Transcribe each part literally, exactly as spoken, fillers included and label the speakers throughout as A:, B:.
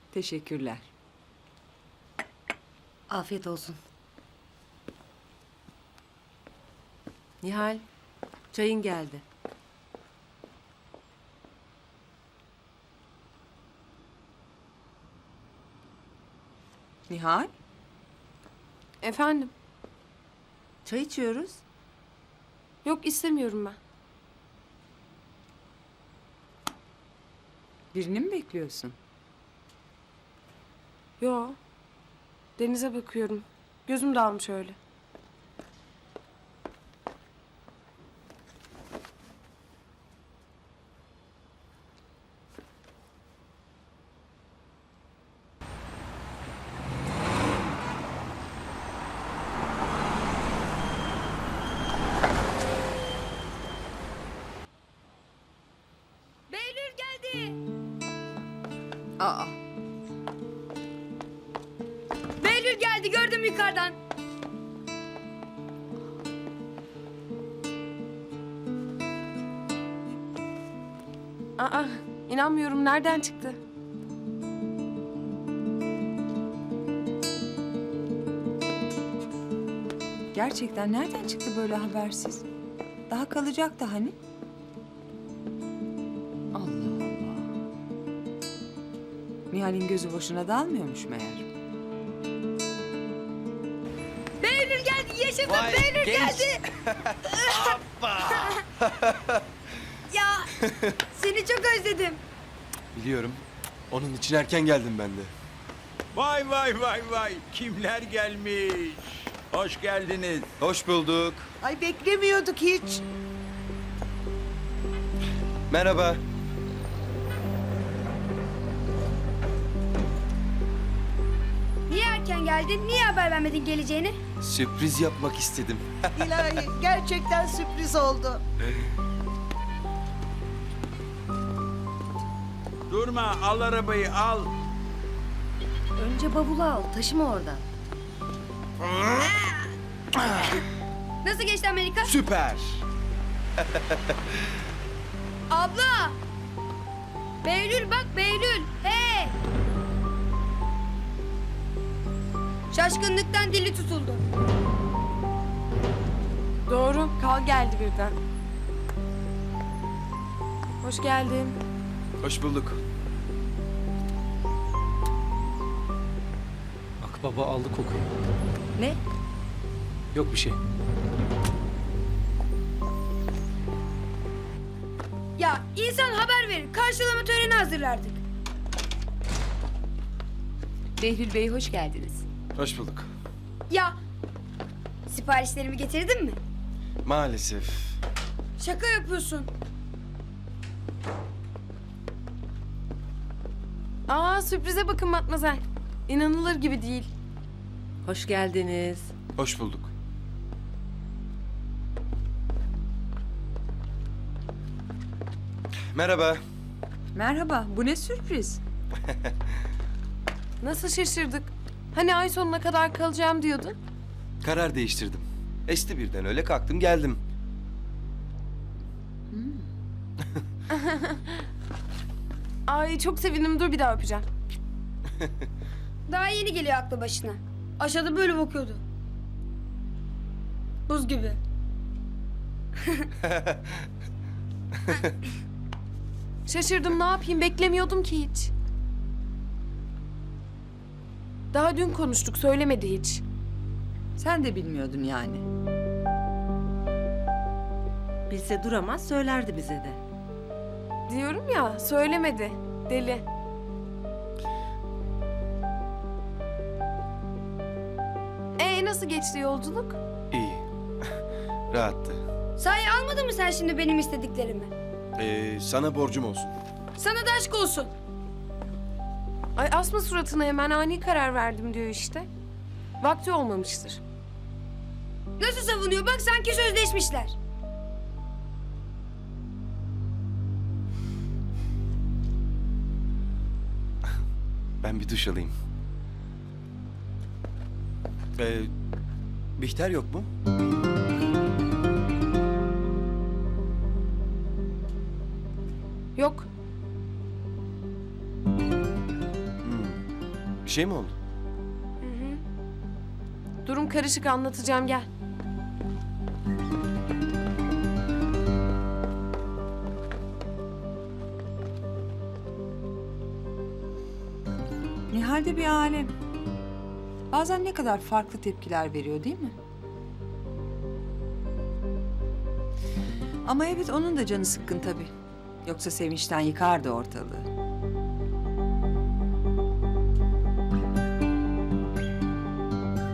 A: Teşekkürler.
B: Afiyet olsun.
C: Nihal, çayın geldi.
A: Nihal,
C: Efendim?
A: çay içiyoruz.
C: Yok istemiyorum ben.
A: Birini mi bekliyorsun?
C: Yo. Denize bakıyorum. Gözüm dağılmış öyle.
B: Behlül geldi.
A: Aa,
B: Behlül geldi, gördüm yukarıdan.
C: Aa, inanmıyorum. Nereden çıktı?
A: gerçekten nereden çıktı böyle habersiz? Daha kalacaktı hani? Allah Allah. Nihal'in gözü boşuna dalmıyormuş meğer.
B: Behlül geldi, yaşasın. Behlül geldi. Ya, seni çok özledim.
D: Biliyorum. Onun için erken geldim ben de.
E: Vay vay vay vay. Kimler gelmiş? Hoş geldiniz.
D: Hoş bulduk.
F: Ay beklemiyorduk hiç.
D: Merhaba.
B: Niye erken geldin? Niye haber vermedin geleceğini?
D: Sürpriz yapmak istedim.
F: İlahi gerçekten sürpriz oldu.
E: Durma, al arabayı al.
B: Önce bavulu al, taşıma oradan. Nasıl geçti Amerika?
D: Süper.
B: Abla! Behlül bak Behlül. Hey! Şaşkınlıktan dili tutuldu.
C: Doğru. Kal geldi birden. Hoş geldin.
D: Hoş bulduk.
G: Akbaba aldı kokuyu.
B: Ne?
G: Yok bir şey.
B: Ya insan haber verir. Karşılama töreni hazırlardık.
A: Behlül Bey hoş geldiniz.
D: Hoş bulduk.
B: Ya siparişlerimi getirdin mi?
D: Maalesef.
B: Şaka yapıyorsun.
C: Aa, sürprize bakın Matmazel. İnanılır gibi değil.
A: Hoş geldiniz.
D: Hoş bulduk. Merhaba.
A: Merhaba, bu ne sürpriz?
C: Nasıl şaşırdık? Hani ay sonuna kadar kalacağım diyordun?
D: Karar değiştirdim. Esti birden öyle kalktım geldim.
C: Ay çok sevindim. Dur bir daha öpeceğim.
B: Daha yeni geliyor aklı başına. Aşağıda böyle bakıyordu. Buz gibi.
C: Şaşırdım, ne yapayım? Beklemiyordum ki hiç. Daha dün konuştuk. Söylemedi hiç.
A: Sen de bilmiyordun yani.
H: Bilse duramaz söylerdi bize de.
C: Diyorum ya, söylemedi. Deli. Ee, nasıl geçti yolculuk?
D: İyi. Rahattı.
B: Sahi almadın mı sen şimdi benim istediklerimi?
D: Ee, sana borcum olsun.
B: Sana da aşk olsun.
C: Ay asma suratına, hemen ani karar verdim diyor işte. Vakti olmamıştır.
B: Nasıl savunuyor? Bak sanki sözleşmişler.
D: Ben bir duş alayım. Ee, Bihter yok mu?
C: Yok.
D: Hmm. Bir şey mi oldu?
C: Durum karışık, anlatacağım, gel.
A: Nihal de bir alem. Bazen ne kadar farklı tepkiler veriyor değil mi? Ama evet onun da canı sıkkın tabii. Yoksa sevinçten yıkardı ortalığı.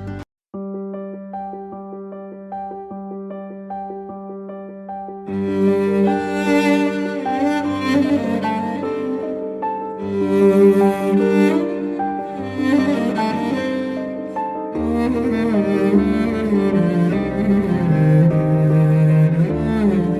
I: Müzik